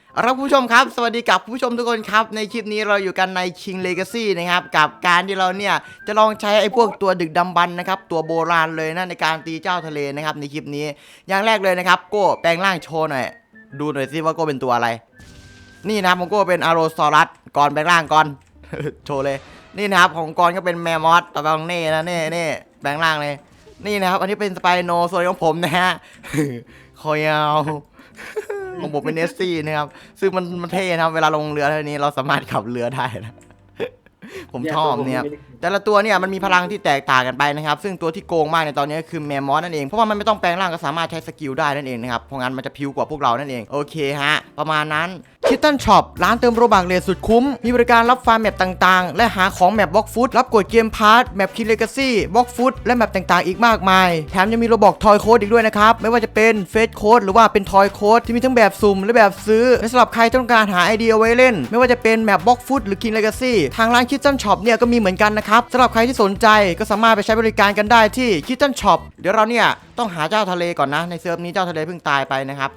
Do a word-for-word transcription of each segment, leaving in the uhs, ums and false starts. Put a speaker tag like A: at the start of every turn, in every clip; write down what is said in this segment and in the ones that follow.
A: เอาละผู้ชมครับสวัสดีกับผู้ชมทุกคนครับในคลิปนี้เราอยู่กันใน King Legacy นะครับกับการที่เราเนี่ยจะลองใช้ไอ้พวกตัวดึกดำบรรพ์นะครับตัวโบราณเลยนะในการตีเจ้าทะเลนะครับในคลิปนี้อย่างแรกเลยนะครับโก้แปลงร่างโชว์หน่อยดูหน่อยสิว่าโก้เป็นตัวอะไรนี่นะครับของโก้เป็นอาโรซอรัสก่อนแปลงร่างก่อน โชว์เลยนี่นะครับของกอนก็เป็นแมมมอสต่อไปของเน่นะเน่เน่แปลงร่างเลยนี่นะครับอันนี้เป็นสไปโนส่วนของผมนะฮะ คอยาว ของผมเป็นเนสซี่นะครับซึ่งมันมันเท่นะครับเวลาลงเรือเท่านี้เราสามารถขับเรือได้นะ ผมชอบเนี่ยแต่ละตัวเนี่ยมันมีพลังที่แตกต่างกันไปนะครับซึ่งตัวที่โกงมากในตอนนี้คือแมมมอสนั่นเองเพราะว่ามันไม่ต้องแปลงร่างก็สามารถใช้สกิลได้นั่นเองนะครับเพราะงั้นมันจะพิวกว่าพวกเรานั่นเองโอเคฮะประมาณนั้นคิตตันช็อปร้านเติมโรบักเลทสุดคุ้มมีบริการรับฟาร์มแมปต่างๆและหาของแมปบล็อกฟุตรับกดเกมพาร์ทแมปคินเลกาซี่บล็อกฟุตและแมปต่างๆอีกมากมายแถมยังมีโรบอกทอยโค้ดอีกด้วยนะครับไม่ว่าจะเป็นเฟสโค้ดหรือว่าเป็นทอยโค้ดที่มีทั้งแบบสุ่มและแบบซื้อและสำหรับใครต้องการหาไอเดียไว้เล่นไม่ว่าจะเป็นแมปบล็อกฟุตหรือคินเลกาซี่ทางร้านคิตตันช็อปเนี่ยก็มีเหมือนกันนะครับสำหรับใครที่สนใจก็สามารถไปใช้บริการกันได้ที่คิตตันช็อปเดี๋ยวเราเนี่ยต้องหาเจ้าทะเลก่อนนะในเซิร์ฟนี้เจ้าทะเลเพิ่งตายไปนะครับ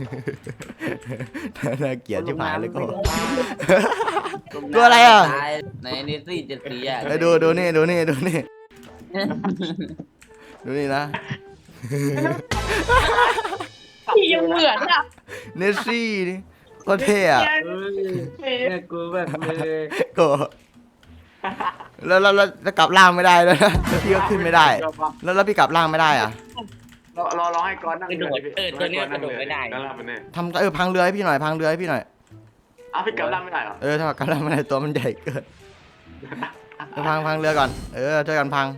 A: น่าเกลียดชิบหายเลยก็ ตัวอะไรอ่ะ
B: ในนิซี่เจ็ดสีอ่ะ
A: ไปดูดูนี่ดูนี่ดูนี่ดูนี่นะ
C: พี่ยังเหมือนอ่ะ
A: เนสซี่นี่ก็เท่อะ
B: แม่กูแบบเลย
A: ก็แล้วแล้วแล้วแล้วกลับล่างไม่ได้แล้วนะแล้วพี่ก็ขึ้นไม่ได้ แล้วแล้วพี่กลับล่างไม่ได้อ่ะ
D: รอรอรอให้ก้อนนั่ง
B: กระโดดเออตัวนี้กระโดดไม่ได้
D: นั่งล่างมันแน่
A: ทำเออพังเรือให้พี่หน่อยพังเรือให้พี่หน่อย
D: อ้าวพี่กลับล่างไม่ได้เหรอ
A: เออถ้ากลับล่างไม่ได้ตัวมันใหญ่เกินไปพังพังเรือก่อนเออช่วยกันพัง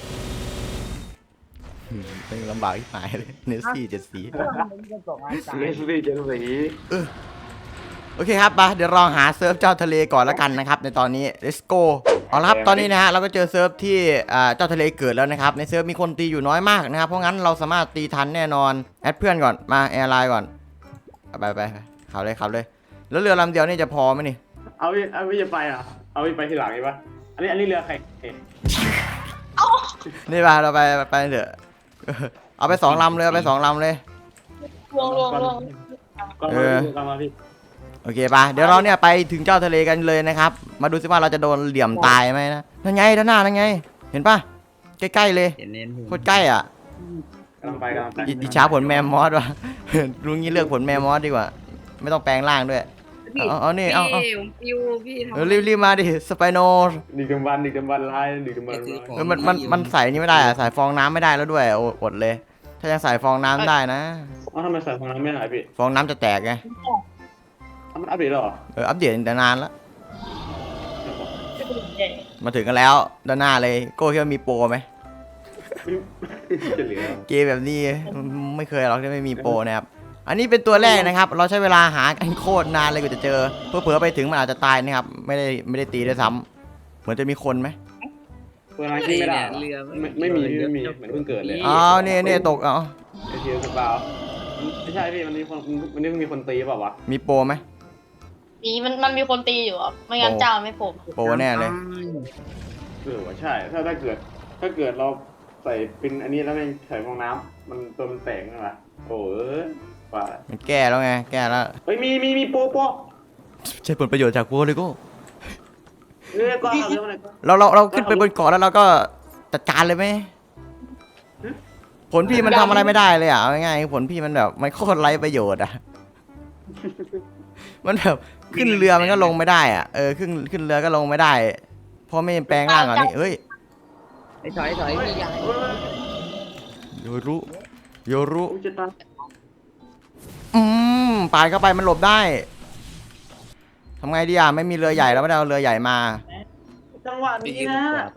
A: อืมเป็นลำบากที่หายเลยเนสซี่เจ็ดสี
D: เลสลี่เจนสี
A: โอเคครับมาเดี๋ยวเราหาเซิร์ฟเจ้าทะเลก่อนแล้วกันนะครับในตอนนี้ let's go เอาละครับตอนนี้นะฮะเราก็เจอเซิร์ฟที่เจ้าทะเลเกิดแล้วนะครับในเซิร์ฟมีคนตีอยู่น้อยมากนะครับเพราะงั้นเราสามารถตีทันแน่นอนแอดเพื่อนก่อนมาแอร์ไลน์ก่อนไปไปขับเลยขับเลยแล้วเรือลำเดียวนี่จะพอไหมนี่
D: เอาพี่เอาพี่จะไปเหรอเอาพี่ไปทีหลังใช่ปะอันนี้อันนี้เรือใคร
A: นี่ไปเราไปไปเถอะเอาไปสองลำเลยเอาไปสองลำเลย
C: ลงลงลง
D: ก้อนมาพี่ก้อนมาพี่
A: โอเคป่ะเดี๋ยวเราเนี่ยไปถึงเจ้าทะเลกันเลยนะครับมาดูซิว่าเราจะโดนเหลี่ยมตายไหมนะนั่นไงด้านหน้านั่นไงเห็นป่ะใกล้ๆเลย
B: เห็นเน้น
A: โคตรใกล้อ่ะ
D: กำลังไปกำลังไป
A: อิอิจฉาผลแมมมอสว่ะ รู้งี้เลือกผลแมมมอสดีกว่า ไม่ต้องแปลงร่างด้วย เอาเอานี่เอาเอา
C: พี่ผมปิวพี่ทำ
A: เออรีบรีบมาดิสไปโน
D: ดึกดำบรรพ์ดึกดำบรรพ์ลายดึกดำบรรพ์ลาย
A: เออมันมันมันใส่นี่ไม่ได้อะใส่ฟองน้ำไม่ได้แล้วด้วยโออดเลย ถ้ายังใส่ฟองน้ำได้นะ
D: อ้าวทำไมใส่ของน้ำไม่หายพี่
A: ฟองน้ำจะแตกไง
D: อ้าวมันอัปเดตแล้วเหรอ
A: เอออัปเดตแต่นานแล้วมาถึงกันแล้วด้านหน้าเลยโก้คิดว่ามีโปรไหม
D: จะเหลือ
A: เกมแบบนี้ไม่เคยหรอกที่ไม่มีโปรนะครับอันนี้เป็นตัวแรกนะครับเราใช้เวลาหากันโคตรนานเลยกว่าจะเจอเพื่อเผื่อไปถึงมันอาจจะตายนะครับไม่ได้ไม่ได้ตีด้วยซ้ำเหมือนจะมีคนไหม
D: เวลาที่ไม่ได้
B: เรือ
D: ไม่ไม่มีไม่มีเหมือนเพิ่งเกิดเลย
A: อ้าวเนี่ยเนี่ยตกเอา
D: ไอเทียสปาวไม่ใช่พี่มันมีคนมันนี่มีคนตีเปล่าวะ
A: มีโปรไหม
C: มีมันมันมีคนตีอยู่อ่ะไม่งั้นเจ้าไม่ผม
A: โปรแน่เลย
D: เออว่าใช่ถ้าถ้าเกิดถ้าเกิดเราใส่ปินอันนี้แล้วไม่ใส่ฟองน้ำมันตัวมันแตกนั่นแหละโอ้ยป่า
A: มันแก้แล้วไงแก้แล้ว
D: เฮ้ยมีมีมีโปโป
A: ใช้ผลประโยชน์จากโปรเลยโก็
D: เรื่องก็เอาเรื่องอะไรก็
A: เราเราเราขึ้นไปบนเกาะแล้วเราก็จัดการเลยไหมผลพี่มันทำอะไรไม่ได้เลยอ่ะเอาง่ายๆผลพี่มันแบบมันโคตรไร้ประโยชน์อ่ะมันแบบขึ้นเรือมันก็ลงไม่ได้อ่ะเออขึ้นขึ้นเรือก็ลงไม่ได้เพราะไม่แปลงร่างอ่ะนี่เฮ้ย
B: ไอ้ถอยถอยพี่ยัง
A: โยรุโยรุ
D: จะตาย
A: อืมปาดเข้าไปมันหลบได้ทำไงดีอ่ะไม่มีเรือใหญ่แล้วไม่ได้เอาเรือใหญ่มา
D: จังหวะนี้นะ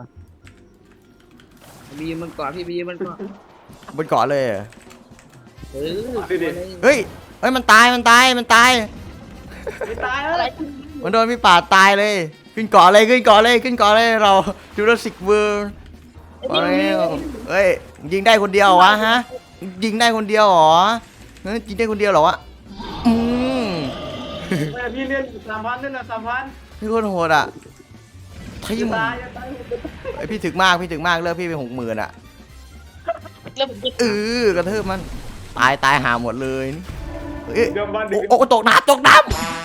B: บีมันก่อนพี่บีมันก่อน
A: บนเกาะเลยเหรอ
B: เออ
A: เฮ้ยเฮ้ยมันตายมันตายมันตาย
D: ไม่ตายแล้ว
C: อะไร
A: มันโดนพี่ป่าดตายเลย ขึ้นเกาะเลยขึ้นเกาะเลยขึ้นเกาะเลยเราจูราสสิกเวิร์มาแล้วเฮ้ยยิงได้คนเดียวเหรอวะฮะยิงได้คนเดียวเหรอเฮ้ยยิงได้คนเดียวเหรอวะอืม
D: ไม่พี่เล่นสามพันเล่นนะสามพัน
A: พี่โคตรโหดอ่ะทีม
D: ตายจะตาย
A: ไอพี่ถึกมากพี่ถึกมากเลิกพี่ไปหกหมื่นอ่ะ
C: เริ่มติด
A: เออกระเทืบมันตายตายหาหมดเลยเอ้ย
D: เดี๋ยวบ้าน
A: โอ้
D: ดึก
A: โอ้ตกน้ำตกน้ำ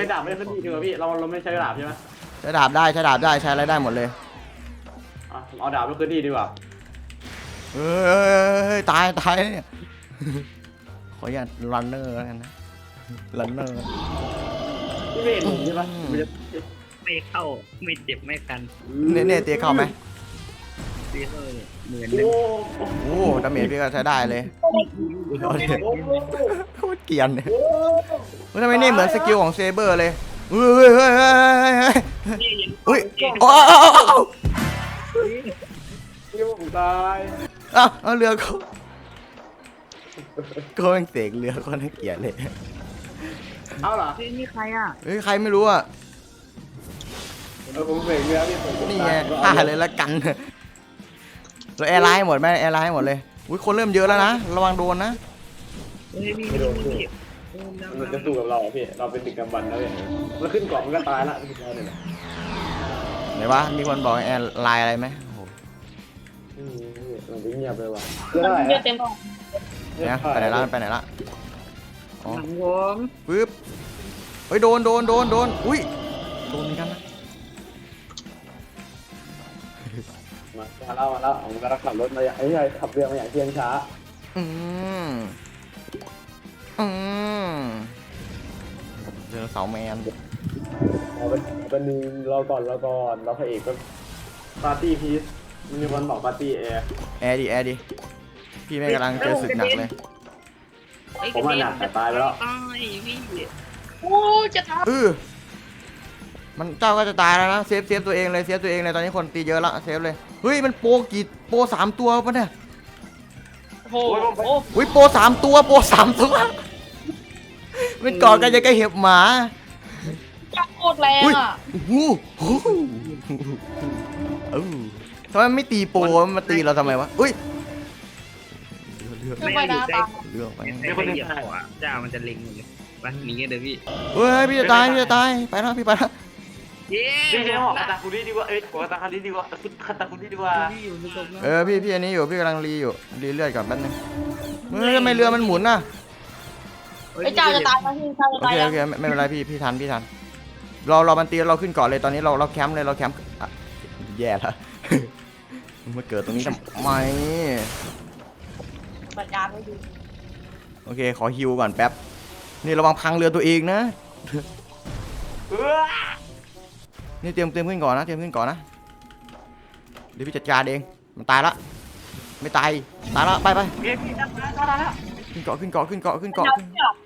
D: ช้ดาบไม่ได้ขึ้นที่ดีกว่าพี่เราเราไม่ใช้ดาบใช่ไหม
A: ใช้ดาบได้ใช้ดาบได้ใช้อะไรได้หมดเลย
D: อ่ะเอาดาบไปขึ้นที่ดีกว่า
A: เฮ้ยตายตายเนี่ยขออย่ารันเนอร์แล้วกันนะรันเนอร์
D: พี่ไม่เห็นผมใช่ปะมันจะ
B: ไม่เข้าไม่เจ็บไม่กัน
A: เน่เน่เตียเข้าไหม
B: พี่เออเหมือน
D: โอ้
A: โอ้ดาเมจพี่ก็ใช้ได้เลย
D: โห
A: โคตรเกรียนเนี่ยเฮ้ยทำไมนี่เหมือนสกิลของเซเบอร์เลยเฮ้ยเฮ้ยเฮ้ยเฮ้ยเฮ้ยโอ้โอ้
D: พี่ผมตาย
A: อ้าวเอาเรือเขาก็แม่งเสกเรือก็น่าเกลียดเลย
D: เอาเหรอ
B: เฮ้ยนี่ใครอ่ะ
A: เฮ้ยใครไม่รู้อ่ะ
D: เออผมเสกเรือพี่ผม
A: นี่ไงฆ่าเลยละกันเราแอร์ไลน์หมดไหมแอร์ไลน์หมดเลยอุ้ยคนเริ่มเยอะแล้วนะระวังโดนนะ
B: เฮ้ยพี่
D: ไม่โดนพี่
B: พี่
D: มันจะสู้กับเราพี่เราเป็นดึกกำบันแล้วพี่มันขึ้นเกาะมันก็ตายละพี่เราเนี่ย
A: ไหนวะมีคนบอกแอร์ไลน์อะไรไหมโอ้โห
D: อืมมันเงียบเลยว่ะเพื่ออะไร
C: เยอะเต็มห้อง
A: เนี่ยไปไหนละไปไหนละอ๋อ
B: หลังผม
A: ปึ๊บเฮ้ยโดนโดนโดนโดนอุ้ยโดนเหมือนกันนะ
D: มามาเล่ามาเล่าผมกำลังขับรถมาอย่างไอ้ไงขับเรือมาอย่างเที่ยงช้า
A: อืมอืมเจอเสาแมน
D: เอาเป็นเป็นนึงรอก่อนรอก่อนเราพระเอกก็ปาร์ตี้พีซมีคนบอกปาร์ตี้แอร์
A: แอร์ดิแอร์ดิพี่แม่งกำลังเจอศึกหนักเลย
D: ผมว่าหนักแต่ตายไปแล้ว
B: ตายพี่
C: โอ้จะท
A: เออมันเจ้าก็จะตายแล้วนะเซฟเซฟตัวเองเลยเซฟตัวเองเลยตอนนี้คนตีเยอะละเซฟเลยเฮ้ยมันโปรกี่โปรสามตัวปะเนี่ย
C: ำโอ้โหโอ้
A: อุ้ยโปรสามตัวโปรสามตัวมันกอดกันยังกับเห็บหมา
C: จับโคตรแรง
A: อุ้ย
C: อ่ะ
A: โอ้โหโอ้โหเออทำไมมันไม่ตีโปรมันมาตีเราทำไมวะอุ้ยเลือก
C: ขึ้นไปนะตาม
A: เลือกไป
B: ไม่คนเหยียบเขาอ่ะเจ้ามันจะเล็งเลยไปหนีกันเดี๋ยวพี่
A: เฮ้ยพี่จะตายพี่จะตายไปแล้วพี่ไปแล้ว
B: เย้
D: พี่ใช้หอกคาตาคุริดีกว่าเอ้ยหอกคาตาคุริดีกว่าคาตาคุริดีกว่า
B: พี่อยู่ในตรงนั้น
A: เออพี่พี่อันนี้อยู่พี่กำลังรีอยู่รีเลือดก่อนแป๊บนึงเฮ้ยทำไมเรือมันหมุนน่ะ
C: ไอ้เจ้าจะตายไหมพี่เจ้าจะ
A: โอ
C: ตาย
A: เค
C: ยั
A: โอง เคไม่ไม่เป็นไรพี่พี่ทันพี่ทันเราเรามันตีเราขึ้นเกาะเลยตอนนี้เราเราแคมป์เลยเราแคมป์อ่ะแย่ละ มาเกิดตรงนี้ทำไม
C: ปัญญาไม่ดี
A: โอเคขอฮิวก่อนแป๊บนี่ระวังพังเรือตัวเองนะ นี่เตรียมเตรียมขึ้นก่อนนะเตรียมขึ้นก่อนนะเดี๋ยวพี่จัดการเองมันตายละไม่ตายตายละไปไป
D: พี่พี่ทำแล้วทำแล้ว
A: ขึ้นเกาะขึ้นเกาะขึ้นเกาะขึ้นเกาะ
C: จับ
A: ขึ้น
C: จับ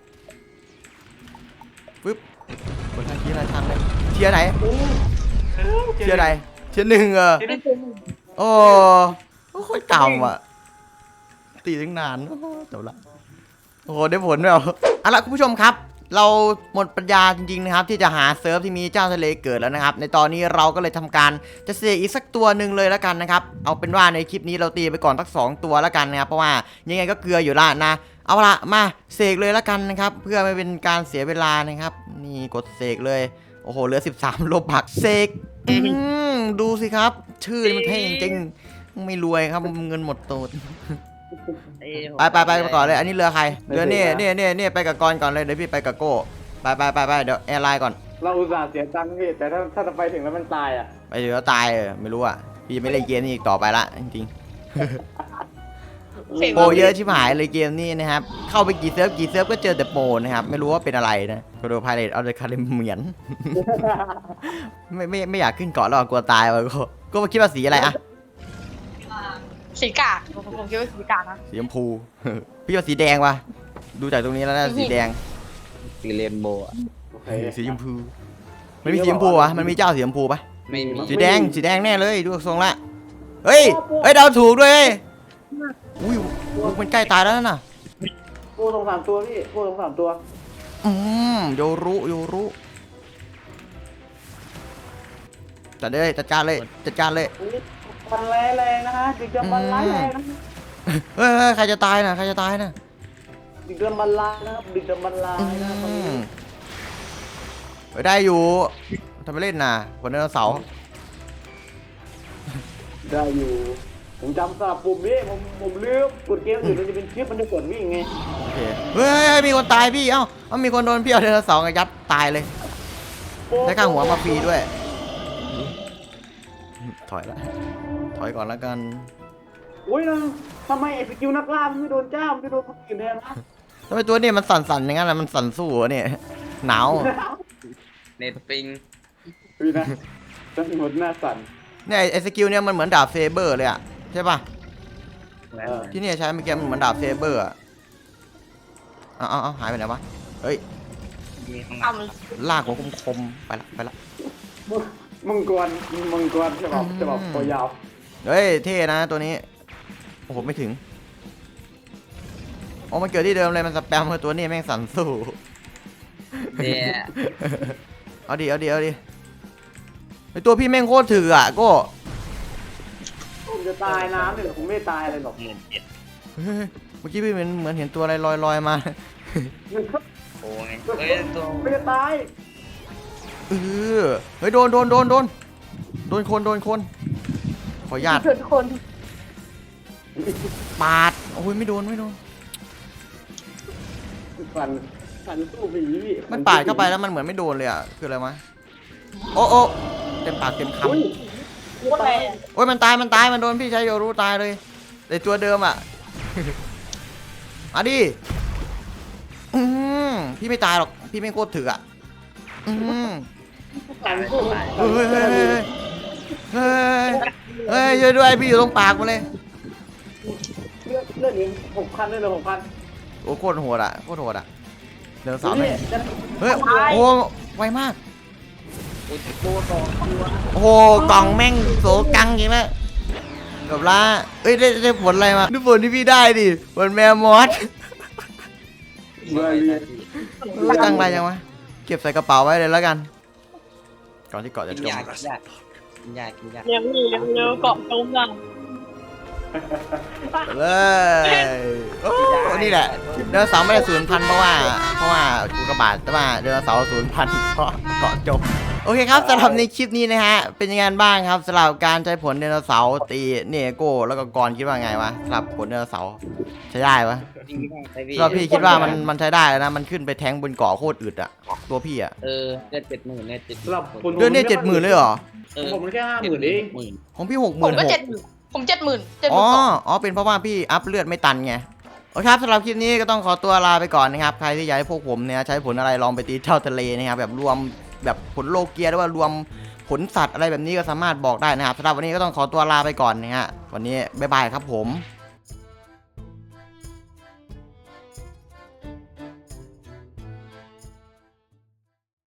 A: ปึ๊บกดทางทีละทางเลยเทียร์ไหนเทียร์ไหนเทียร์หนึ่งเออ
C: ไม่เป็น
A: โอ้โหโคตรเก่าอ่ะตีตั้งนานโอ้โหจบละโอ้โหได้ผลด้วยเหรอเอาล่ะคุณผู้ชมครับ เราหมดปัญญาจริงๆนะครับที่จะหาเซิร์ฟที่มีเจ้าทะเลเกิดแล้วนะครับในตอนนี้เราก็เลยทำการจะเสกอีกสักตัวหนึ่งเลยแล้วกันนะครับเอาเป็นว่าในคลิปนี้เราตีไปก่อนสักสองตัวแล้วกันนะครับเพราะว่ายังไงก็เกลืออยู่ละนะเอาละมาเสกเลยแล้วกันนะครับเพื่อไม่เป็นการเสียเวลานะครับนี่กดเสกเลยโอ้โหเหลือสิบสามโลบักเสกอืมดูสิครับชื่อนี่มันเท่จริงๆไม่รวยครับเงินหมดตูดไปไปไปไปก่อนเลยอันนี้เรือใครเรือนี่นี่นี่นี่ไปกับกรก่อนเลยเดี๋ยวพี่ไปกับโก้ไปไปไปไปเดี๋ยวแอร์ไลน์ก่อน
D: เราอุตส่าห์เสียตังค์พี่แต่ถ้าถ้าจะไปถึงแล้วมันตายอ่ะ
A: ไปเดี๋ยวตายเออไม่รู้อ่ะพี่ไม่เล่นเกมนี้อีกต่อไปละจริงๆโปรเยอะชิบหายเลยเกมนี้นะครับเข้าไปกี่เซิร์ฟกี่เซิร์ฟก็เจอแต่โปรนะครับไม่รู้ว่าเป็นอะไรนะโคโดพายเลตเอาเลยคาเรเหมือน ไม่ไม่ไม่อยากขึ้นเกาะแล้วกลัวตายว่ะก็ก็มาคิดว่าสีอะไรอะ
C: สีกากผมผมคิดว่าสีกากนะ
A: สีชมพู พี่ว่าสีแดงว่ะดูจากตรงนี้แล้วน่าสีแดง
B: สีเรนโบว์
D: โอเค
A: สีชมพูมันมีสีชมพูวะมันมีเจ้าสีชมพูปะ
B: ไม่มี
A: สีแดงสีแดงแน่เลยดูทรงละเฮ้ยเฮ้ยเดาถูกด้วยเฮ้ยอุ้ยมันใกล้ตายแล้วน่ะ
D: ปูสองสามตัวพี่ปูสองสามตัว
A: อืมโยรุโยรุจัดเลยจัดการเลยจัดการเลย
D: มันแรงแรงนะฮะดึกดำบรรพ์ร้ายแรงนะ
A: เฮ้ยเฮ้ยใครจะตายน่ะใครจะตายน่ะ
D: ดึกดำบรรพ์ร้ายนะครับดึกดำบรรพ์ร้ายนะตอน
A: อื
D: นี้
A: มไปได้อยู่ทำไปเล่นน่ะคนไดโนเสาร์
D: ได้อยู่ผมจำสลับปุ่มนี่ผมผมลืมกดเกมอื่นมันจะเป็นชิปมันจะกดวิ่งไง
A: โอเคเฮ้ยมีคนตายพี่เอ้าเอ้ามีคนโดนพี่เอาไดโนเสาร์ยัดตายเลยได้ค่าหัวมาฟรีด้วยถอยละถอยก่อนแล้วกัน
D: โอ้ยนะทำไมไอ้สกิลนักล่ามันไม่โดนเจ้ามันไม่โดนคนอื่นแทนนะ
A: ทำไมตัวนี้มันสั่นๆอย่างนั้นล่ะมันสั่นสู้เหรอเนี่ยหนาว
B: เน็ตปิง
D: พี่นะจะหมดหน้าสั่น
A: เนี่ยไอ้สกิลเนี่ยมันเหมือนดาบเซเบอร์เลยอะใช่ป่ะ
B: แล้ว
A: ที่เนี่ยใช้เมื่อกี้มันเหมือนดาบเซเบอร์อะเอาเอาเอาหายไปไหนวะเฮ้ย
B: มีข้างห
C: เอา
B: ลัง
C: มัน
A: ลากหัวคมๆไปละไปละ
D: มังกรมังกรฉบับฉบับตัวยาว
A: เฮ้ยเท่นะตัวนี้โอ้โหไม่ถึงโอ้มันเกิดที่เดิมเลยมันสแปมตัวนี้แม่งสั่นสู้
B: เนี่ย
A: เอาดิเอาดิเอาดิไอตัวพี่แม่งโคตรถืออ่ะโก็
D: ผมจะตายน้ำเนี่ยผมไม่ตายเลยหรอก
B: หมื่นเจ็ด
A: เฮ้ยเมื่อกี้พี่เหมือนเหมือนเห็นตัวอะไรลอยลอยๆมา
B: โอ้ยเอ้ยตัว
D: ไม่จะตาย
A: เออเฮ้ยโดนโดนโดนโดนโดนคนโดนคนขออนุญาต
C: เกิดคน
A: ปาดโอ้ยไม่โดนไม่โดน
D: ฟันฟันสู้ผีพี่
A: มันปาดเข้าไปแล้วมันเหมือนไม่โดนเลยอ่ะคืออะไรวะโอ้โอ้เต็มปากเต็มคำ
D: อุ้ย
C: พูดอะไรอะ
A: โอ้ยมันตายมันตายมันโดนพี่ใช้โยรู้ตายเลยแต่ตัวเดิมอ่ะ มาดิอืมพี่ไม่ตายหรอกพี่ไม่โคตรถืออ่ะอืม
D: ฟันสู้
A: เฮ้ยเฮ้ยเฮ้ยเฮ้ยเฮ้ยช่วยด้วยพี่อยู่ตรงปากมาเลย
D: เลือดเลือดเองหกพันเลยเหรอหกพัน
A: โอ้โคตรโหดอ่ะโคตรโหดอ่ะเดินสาวแม่
D: นี่
A: ง
D: จะ
A: เฮ้ยโอ้ไวมาก
B: โอ้ยตัวต่อตัว
A: โอ้โหกล่องแม่งโสกังจริงแล้วกับละเอ้ยได้ได้ผลอะไรมาดูผลที่พี่ได้ดิผลแมวมอส
D: เบอร์เรียน
A: รู้จังไรยังวะเก็บใส่กระเป๋าไว้เลยแล้วกัน ก่อนที่เกาะจะ
B: กิน
A: จม
B: ยากินยากินยากินยา
C: เร็วนี่เร็วเร็วเกาะจมอ่ะ
A: เลยโอ้นี่แหละเดินเสาร์ไม่ได้ศูนย์พันเพราะว่าเพราะว่าอุกกาบาตแต่ว่าเดินเสาร์ศูนย์พันเพราะเกาะจมโอเคครับสำหรับในคลิปนี้นะฮะเป็นยังไงบ้างครับสำหรับการใช้ผลเดโนเสาร์ตีเนโก้แล้วก็กรคิดว่าไงวะสำหรับผลเดโนเสาร์ใช้ได้ปะ
B: จริงๆไปพี่
A: สำหรับพี่คิดว่ามันมันใช้ได้แล้วนะมันขึ้นไปแทงบนเกาะโคตรอึดอะตัวพี่อะ
B: เออเลือดเจ็ดหมื่นเลือดเจ็ด
D: สำหรับคน
A: เดือนนี้เจ็ดหมื่นเลยเหรอ
B: เออ
D: ผมมันแค่ห้าหมื่นเอง
B: หมื่น
A: ของพี่หกห
C: ผ
A: มื่
C: ม
A: น
C: ก็
A: หก
C: เจ็ดหมื่นผมเจ็ดหมื่นเจ็ดห
A: อ๋
C: มื่
A: อน
C: สอง
A: อ๋อเป็นเพราะว่าพี่อัพเลือดไม่ตันไงโอเคครับสำหรับคลิปนี้ก็ต้องขอตัวลาไปก่อนนะครับใครที่อยากให้พวกผมเนี่ยใช้ผลอะไรลองไปตีเท่าทะเลนะครับแบบรวมแบบผลโลเกียหรือว่ารวมผลสัตว์อะไรแบบนี้ก็สามารถบอกได้นะครับสำหรับวันนี้ก็ต้องขอตัวลาไปก่อนนะฮะวันนี้บ๊ายบายครับผม